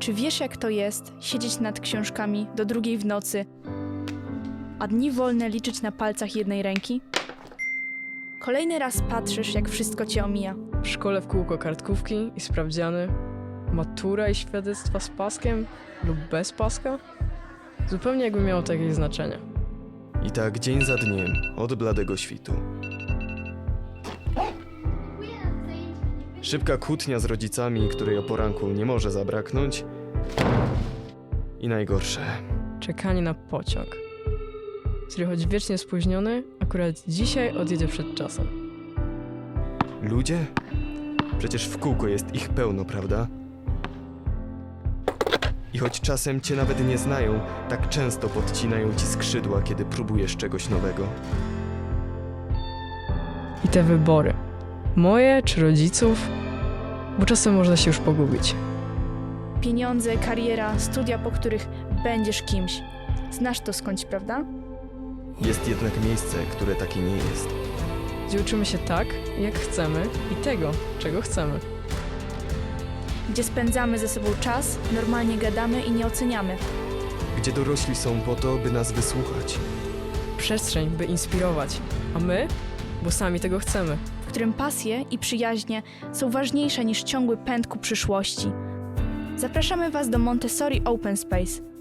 Czy wiesz, jak to jest siedzieć nad książkami do 2 w nocy, a dni wolne liczyć na palcach jednej ręki? Kolejny raz patrzysz, jak wszystko cię omija. W szkole w kółko kartkówki i sprawdziany, matura i świadectwa z paskiem lub bez paska? Zupełnie jakby miało to jakieś znaczenie. I tak dzień za dniem, od bladego świtu. Szybka kłótnia z rodzicami, której o poranku nie może zabraknąć. I najgorsze. Czekanie na pociąg, który choć wiecznie spóźniony, akurat dzisiaj odjedzie przed czasem. Ludzie? Przecież w kółko jest ich pełno, prawda? I choć czasem cię nawet nie znają, tak często podcinają ci skrzydła, kiedy próbujesz czegoś nowego. I te wybory. Moje czy rodziców? Bo czasem można się już pogubić. Pieniądze, kariera, studia, po których będziesz kimś. Znasz to skądś, prawda? Jest jednak miejsce, które takie nie jest. Gdzie uczymy się tak, jak chcemy i tego, czego chcemy. Gdzie spędzamy ze sobą czas, normalnie gadamy i nie oceniamy. Gdzie dorośli są po to, by nas wysłuchać. Przestrzeń, by inspirować. A my? Bo sami tego chcemy. W którym pasje i przyjaźnie są ważniejsze niż ciągły pęd ku przyszłości. Zapraszamy Was do Montessori Open Space.